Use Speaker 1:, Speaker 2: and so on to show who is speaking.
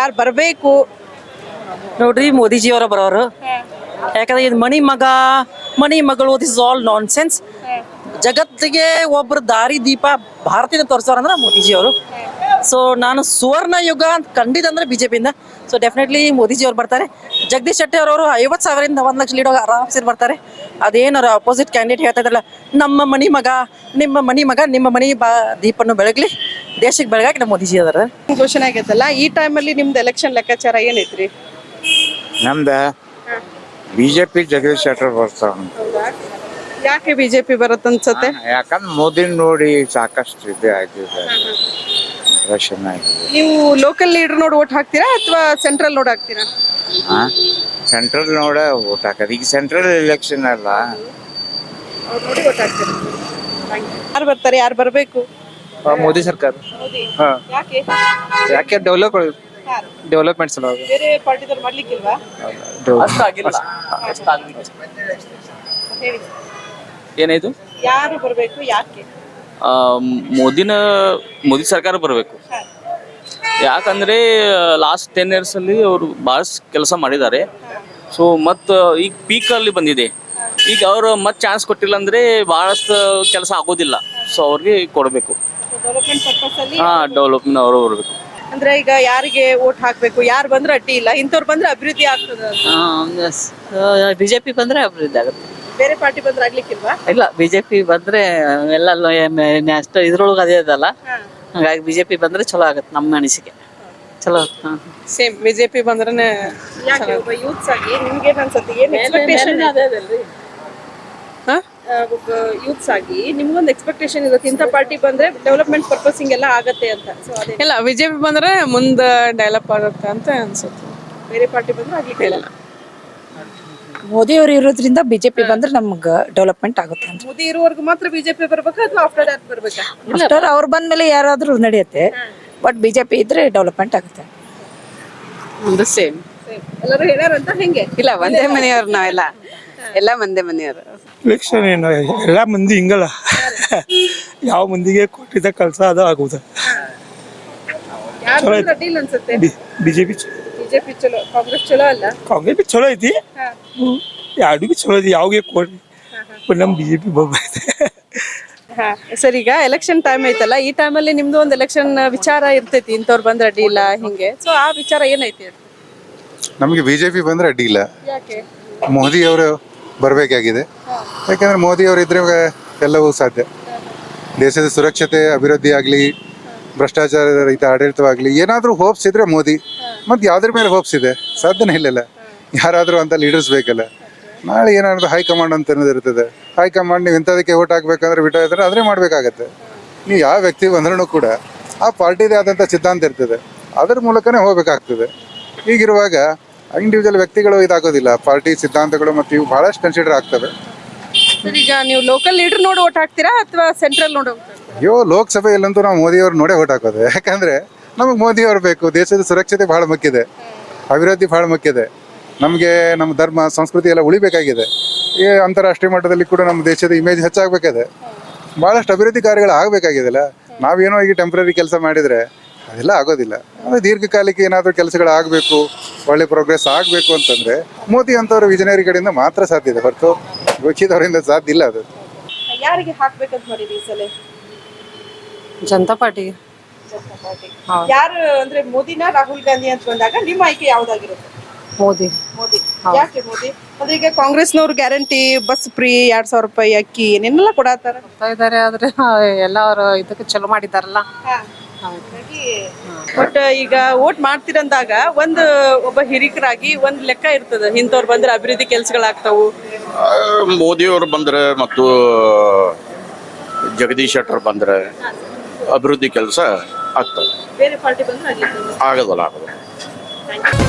Speaker 1: ಯಾರು ಬರಬೇಕು?
Speaker 2: ನೋಡ್ರಿ ಮೋದಿಜಿಯವರ ಬರೋರು. ಯಾಕಂದ್ರೆ ಇದು ಮಣಿ ಮಗಳು this is all nonsense. ಜಗತ್ತಿಗೆ ಒಬ್ರು ದಾರಿ ದೀಪ ಭಾರತದಿಂದ ತೋರಿಸೋರಂದ್ರೆ ಮೋದಿಜಿಯವರು. ಸೊ ನಾನು ಸುವರ್ಣ ಯುಗ ಅಂತ ಕಂಡಿದ್ದ ಅಂದ್ರೆ ಬಿಜೆಪಿಯಿಂದ. ಸೊ ಡೆಫಿನೆಟ್ಲಿ ಮೋದಿಜಿಯವ್ರು ಬರ್ತಾರೆ. ಜಗದೀಶ್ ಶೆಟ್ಟರ್ ಅವರು 50,000ರಿಂದ 1,00,000 ಲೀಡ್ ಆರಾಮ್ಸೆ ಬರ್ತಾರೆ. ಅದೇನಾರ ಅಪೋಸಿಟ್ ಕ್ಯಾಂಡಿಡೇಟ್ ಹೇಳ್ತಾ ಇದ್ರಲ್ಲ, ನಮ್ಮ ಮಣಿ ಮಗ ನಿಮ್ಮ ಮಣಿ ದೀಪನ್ನು ಬೆಳಗ್ಲಿ, ದೇಶಕ್ಕೆ ಬೆಳಗಾಕಿ ನಮ್ಮ ಮೋದಿಜಿ ಅದಾರ.
Speaker 1: ಘೋಷಣೆ ಆಗೈತಲ್ಲ, ಈ ಟೈಮಲ್ಲಿ ನಿಮ್ದು ಎಲೆಕ್ಷನ್ ಲೆಕ್ಕಾಚಾರ ಏನೈತ್ರಿ?
Speaker 3: ನಮ್ದ ಬಿಜೆಪಿ ಜಗದೀಶ್ ಶೆಟ್ಟರ್ ಬರ್ತಾರ.
Speaker 1: ಯಾಕೆ ಬಿಜೆಪಿ ಬರುತ್ತೆ ಅನ್ಸುತ್ತೆ?
Speaker 3: ಯಾಕಂದ್ರೆ ಮೋದಿ ನೋಡಿ ಸಾಕಷ್ಟು ಇದೆ ಆಗಿದೆ, ರೇಷನ್ ಆಗಿದೆ.
Speaker 1: ನೀವು ಲೋಕಲ್ ಲೀಡರ್ ನೋಡಿ ಓಟ್ ಹಾಕ್ತೀರಾ ಅಥವಾ ಸೆಂಟ್ರಲ್ ನೋಡಿ ಹಾಕ್ತೀರಾ?
Speaker 3: ಸೆಂಟ್ರಲ್ ನೋಡ ಓಟ್ ಹಾಕದ. ಈಗ ಸೆಂಟ್ರಲ್ ಎಲೆಕ್ಷನ್ ಅಲ್ಲ,
Speaker 1: ನೋಡಿ ಓಟ್ ಹಾಕ್ತೀರಾ. ಯಾರು ಬರ್ತಾರೆ, ಯಾರು ಬರಬೇಕು?
Speaker 4: ಮೋದಿ ಸರ್ಕಾರ.
Speaker 1: ಯಾಕೆ?
Speaker 4: ಯಾಕೆ ಡೆವಲಪ್ಮೆಂಟ್ ಸಲುವಾಗಿ.
Speaker 1: ಬೇರೆ ಪಾರ್ಟಿದವ್ರು ಮಾಡ್ಲಿಕ್ಕಿಲ್ವಾ? ಹೇಳಿ,
Speaker 4: ಏನಾಯ್ತು?
Speaker 1: ಯಾರು ಬರಬೇಕು, ಯಾಕೆ?
Speaker 4: ಮೋದಿ ಸರ್ಕಾರ ಬರಬೇಕು. ಯಾಕಂದ್ರೆ ಲಾಸ್ಟ್ 10 years ಅಲ್ಲಿ ಅವರು ಭಾಳ ಕೆಲಸ ಮಾಡಿದ್ದಾರೆ. ಸೊ ಮತ್ತು ಈಗ ಪೀಕಲ್ಲಿ ಬಂದಿದೆ. ಈಗ ಅವರು ಮತ್ತೆ ಚಾನ್ಸ್ ಕೊಟ್ಟಿಲ್ಲ ಅಂದ್ರೆ ಬಹಳಷ್ಟು ಕೆಲಸ ಆಗೋದಿಲ್ಲ. ಸೊ ಅವ್ರಿಗೆ ಕೊಡಬೇಕು.
Speaker 1: ಡೆವಲಪ್ಮೆಂಟ್ ಪರ್ಪಸ್ ಅಲ್ಲಿ
Speaker 4: ಡೆವಲಪ್ಮೆಂಟ್ ಅವರು ಬರಬೇಕು.
Speaker 1: ಅಂದ್ರೆ ಈಗ ಯಾರಿಗೆ ಓಟ್ ಹಾಕ್ಬೇಕು, ಯಾರು ಬಂದ್ರೆ ಅಡ್ಡಿ ಇಲ್ಲ, ಇಂಥವ್ರು ಬಂದ್ರೆ ಅಭಿವೃದ್ಧಿ ಆಗ್ತದ?
Speaker 2: ಬಿಜೆಪಿ ಬಂದ್ರೆ ಅಭಿವೃದ್ಧಿ ಆಗುತ್ತೆ.
Speaker 1: ಬೇರೆ ಪಾರ್ಟಿ ಬಂದ್ರೆ ಆಗ್ಲಿಕ್ಕಿಲ್ವಾ?
Speaker 2: ಇಲ್ಲ, ಬಿಜೆಪಿ ಬಂದ್ರೆ ಎಲ್ಲ ಅಷ್ಟು ಇದ್ರೊಳಗೆ ಅದೇ ಇದಲ್ಲ. ಹಾಗಾಗಿ ಬಿಜೆಪಿ ಬಂದ್ರೆ ಚಲೋ ಆಗತ್ತೆ ನಮ್ಮ ಅನಿಸಿಕೆ. ಚಲೋ.
Speaker 1: ಸೇಮ್ ಬಿಜೆಪಿ ಬಂದ್ರೆ ಒಬ್ಬ ಯೂತ್ಸ್ ಆಗಿ ನಿಮ್ಗೆ ಏನ್ ಅನ್ಸುತ್ತೆ? ಏನ್ ಎಕ್ಸ್ಪೆಕ್ಟೇಷನ್? ಒಬ್ಬ ಯೂತ್ಸ್ ಆಗಿ ನಿಮ್ಗೊಂದು ಎಕ್ಸ್ಪೆಕ್ಟೇಷನ್ ಇರುತ್ತೆ, ಇಂಥ ಪಾರ್ಟಿ ಬಂದ್ರೆ ಡೆವಲಪ್ಮೆಂಟ್ ಪರ್ಪಸ್ ಹಿಂಗೆಲ್ಲ ಆಗತ್ತೆ ಅಂತ. ಸೊ ಅದೇ
Speaker 5: ಇಲ್ಲ, ಬಿಜೆಪಿ ಬಂದ್ರೆ ಮುಂದೆ ಡೆವಲಪ್ ಆಗುತ್ತೆ ಅಂತ ಅನ್ಸುತ್ತೆ.
Speaker 1: ಬೇರೆ ಪಾರ್ಟಿ ಬಂದ್ರೆ ಆಗ್ಲಿಕ್ಕಿಲ್ಲ.
Speaker 6: ಮೋದಿ ಅವರು ಇರೋದ್ರಿಂದ ಬಿಜೆಪಿ ಬಂದ್ರೆ ನಮ್ಗೆ ಡೆವಲಪ್ಮೆಂಟ್ ಆಗುತ್ತೆ ಅಂತ.
Speaker 1: ಮೋದಿ ಇರುವವರೆಗೂ ಮಾತ್ರ ಬಿಜೆಪಿ ಬರ್ಬೇಕಾ ಅಥವಾ ಆಫ್ಟರ್ ದಟ್ ಬರ್ಬೇಕಾ?
Speaker 6: ಆಫ್ಟರ್ ಅವ್ರು ಬಂದ್ಮೇಲೆ ಯಾರಾದ್ರೂ ನಡೆಯುತ್ತೆ, ಬಟ್ ಬಿಜೆಪಿ ಇದ್ರೆ ಡೆವಲಪ್ಮೆಂಟ್ ಆಗುತ್ತೆ.
Speaker 5: ಸೇಮ್.
Speaker 1: ಎಲ್ಲರೂ ಹೇಳ್ಯಾರಂತ ಹೆಂಗೆ?
Speaker 5: ಇಲ್ಲ, ಒಂದೇ ಮನೆಯವ್ರು ನಾವೆಲ್ಲ, ಎಲ್ಲ ಒಂದೇ ಮನೆಯವರು.
Speaker 7: ಎಲೆಕ್ಷನ್ ಏನು ಎಲ್ಲ ಮಂದಿ ಹಿಂಗಲ್ಲ, ಯಾವ ಮಂದಿಗೆ ಕೊಟ್ಟಿದ್ದ ಕೆಲಸ ಅದು ಆಗುವುದು.
Speaker 1: ಯಾರು ಬಂದ್ರೆ ಅಡ್ಡಿ ಇಲ್ಲ ಅನ್ಸುತ್ತೆ?
Speaker 7: ಬಿಜೆಪಿ
Speaker 1: ಬಿಜೆಪಿ ಚಲೋ, ಕಾಂಗ್ರೆಸ್ ಚಲೋ ಅಲ್ಲ?
Speaker 7: ಕಾಂಗ್ರೆಸ್ ಬಿ ಚಲೋ ಐತಿ, ಎರಡು ಬಿ ಚಲೋ ಐತಿ. ಯಾವಾಗ ಕೊಡ್ರಿ ನಮ್ಮ ಬಿಜೆಪಿ ಬರ್ತೈತೆ.
Speaker 1: ಸರ್, ಈಗ ಎಲೆಕ್ಷನ್ ಟೈಮ್ ಐತಲ್ಲ, ಈ ಟೈಮಲ್ಲಿ ನಿಮ್ದು ಒಂದು ಎಲೆಕ್ಷನ್ ವಿಚಾರ ಇರ್ತೈತಿ, ಇಂಥವ್ರು ಬಂದ್ರೆ ಅಡ್ಡಿ ಇಲ್ಲ ಹಿಂಗೆ. ಸೊ ಆ ವಿಚಾರ ಏನೈತಿ?
Speaker 8: ನಮಗೆ ಬಿಜೆಪಿ ಬಂದ್ರೆ ಅಡ್ಡಿ ಇಲ್ಲ.
Speaker 1: ಯಾಕೆ?
Speaker 8: ಮೋದಿ ಅವರು ಬರಬೇಕಾಗಿದೆ. ಯಾಕಂದ್ರೆ ಮೋದಿ ಅವರು ಇದ್ರೆ ಎಲ್ಲವೂ ಸಾಧ್ಯ. ದೇಶದ ಸುರಕ್ಷತೆ, ಅಭಿವೃದ್ಧಿ ಆಗಲಿ, ಭ್ರಷ್ಟಾಚಾರ ರಹಿತ ಆಡಳಿತವಾಗಲಿ, ಏನಾದರೂ ಹೋಪ್ಸ್ ಇದ್ರೆ ಮೋದಿ. ಮತ್ತು ಯಾವುದ್ರ ಮೇಲೆ ಹೋಪ್ಸ್ ಇದೆ? ಸಾಧ್ಯನೇ ಇಲ್ಲಲ್ಲ. ಯಾರಾದರೂ ಅಂತ ಲೀಡರ್ಸ್ ಬೇಕಲ್ಲ. ನಾಳೆ ಏನಾದ್ರು ಹೈಕಮಾಂಡ್ ಅಂತ ಅನ್ನೋದು ಇರ್ತದೆ. ಹೈಕಮಾಂಡ್ ನೀವು ಇಂಥದಕ್ಕೆ ಓಟ್ ಹಾಕ್ಬೇಕಂದ್ರೆ ಬಿಟ್ಟು ಇದ್ರೆ ಅದೇ ಮಾಡಬೇಕಾಗತ್ತೆ. ನೀವು ಯಾವ ವ್ಯಕ್ತಿ ಬಂದ್ರೂ ಕೂಡ ಆ ಪಾರ್ಟಿದೇ ಆದಂಥ ಸಿದ್ಧಾಂತ ಇರ್ತದೆ, ಅದರ ಮೂಲಕನೇ ಹೋಗ್ಬೇಕಾಗ್ತದೆ. ಹೀಗಿರುವಾಗ ಇಂಡಿವಿಜುವಲ್ ವ್ಯಕ್ತಿಗಳು ಇದಾಗೋದಿಲ್ಲ, ಪಾರ್ಟಿ ಸಿದ್ಧಾಂತಗಳು ಮತ್ತು ಇವು ಭಾಳಷ್ಟು ಕನ್ಸಿಡರ್ ಆಗ್ತವೆ.
Speaker 1: ಸರ್, ಈಗ ನೀವು ಲೋಕಲ್ ಲೀಡರ್ ನೋಡಿ ಓಟ್ ಹಾಕ್ತೀರಾ ಅಥವಾ ಸೆಂಟ್ರಲ್ ನೋಡಿ?
Speaker 8: ಅಯ್ಯೋ, ಲೋಕಸಭೆಯಲ್ಲಂತೂ ನಾವು ಮೋದಿಯವ್ರು ನೋಡೇ ಓಟ್ ಹಾಕೋದು. ಯಾಕಂದರೆ ನಮಗೆ ಮೋದಿಯವ್ರು ಬೇಕು. ದೇಶದ ಸುರಕ್ಷತೆ ಭಾಳ ಮುಖ್ಯದೆ, ಅಭಿವೃದ್ಧಿ ಭಾಳ ಮುಖ್ಯದೆ. ನಮಗೆ ನಮ್ಮ ಧರ್ಮ ಸಂಸ್ಕೃತಿ ಎಲ್ಲ ಉಳಿಬೇಕಾಗಿದೆ. ಈ ಅಂತಾರಾಷ್ಟ್ರೀಯ ಮಟ್ಟದಲ್ಲಿ ಕೂಡ ನಮ್ಮ ದೇಶದ ಇಮೇಜ್ ಹೆಚ್ಚಾಗಬೇಕಾಗಿದೆ. ಭಾಳಷ್ಟು ಅಭಿವೃದ್ಧಿ ಕಾರ್ಯಗಳು ಆಗಬೇಕಾಗಿದೆಲ್ಲ. ನಾವೇನೋ ಈಗ ಟೆಂಪ್ರರಿ ಕೆಲಸ ಮಾಡಿದರೆ ಅದೆಲ್ಲ ಆಗೋದಿಲ್ಲ. ಅಂದರೆ ದೀರ್ಘಕಾಲಿಕ ಏನಾದರೂ ಕೆಲಸಗಳು ಆಗಬೇಕು, ಒಳ್ಳೆ ಪ್ರೋಗ್ರೆಸ್ ಆಗಬೇಕು ಅಂತಂದರೆ ಮೋದಿ ಅಂಥವ್ರ ವಿಜನರಿ ಕಡೆಯಿಂದ ಮಾತ್ರ ಸಾಧ್ಯ ಇದೆ, ಹೊರತು ಗೋಚಿದವರಿಂದ ಸಾಧ್ಯ ಇಲ್ಲ. ಅದು
Speaker 1: ಯಾರಿಗೆ ಹಾಕ್ಬೇಕಂತ ಮಾಡಿದ್ರಿ ಈ ಸಲ?
Speaker 2: ಜನತಾ ಪಾರ್ಟಿಗೆ.
Speaker 1: ಯಾರು ಅಂದ್ರೆ ಮೋದಿನ ರಾಹುಲ್ ಗಾಂಧಿ ಅಂತ ಬಂದಾಗ ನಿಮ್ಮ ಆಯ್ಕೆ ಯಾವ್ದಾಗಿರುತ್ತೆ?
Speaker 2: ಮೋದಿ.
Speaker 1: ಮೋದಿ. ಯಾಕೆ ಮೋದಿ? ಅಂದ್ರೆ ಈಗ ಕಾಂಗ್ರೆಸ್ನವ್ರು ಗ್ಯಾರಂಟಿ, ಬಸ್ ಫ್ರೀ, 2,000 ರೂಪಾಯಿ ಅಕ್ಕಿ ಏನೇನೆಲ್ಲ ಕೊಡತ್ತಾರ
Speaker 2: ಇದಾರೆ. ಆದ್ರೆ ಎಲ್ಲ ಅವರು ಇದಕ್ಕೆ ಚಲೋ ಮಾಡಿದಾರಲ್ಲ.
Speaker 1: ಬಟ್ ಈಗ ವೋಟ್ ಮಾಡ್ತಿರಂದಾಗ ಒಬ್ಬ ಹಿರಿಕರಾಗಿ ಒಂದ್ ಲೆಕ್ಕ ಇರ್ತದ, ಇಂಥವ್ರು ಬಂದ್ರೆ ಅಭಿವೃದ್ಧಿ ಕೆಲ್ಸಗಳಾಗ್ತಾವು.
Speaker 9: ಮೋದಿಯವರು ಬಂದ್ರೆ ಮತ್ತು ಜಗದೀಶ್ ಶೆಟ್ಟರ್ ಬಂದ್ರೆ ಅಭಿವೃದ್ಧಿ ಕೆಲಸ ಆಗ್ತದೆ.
Speaker 1: ಬೇರೆ ಪಾರ್ಟಿ ಬಂದ್ರೆ
Speaker 9: ಆಗೋದಲ್ಲ.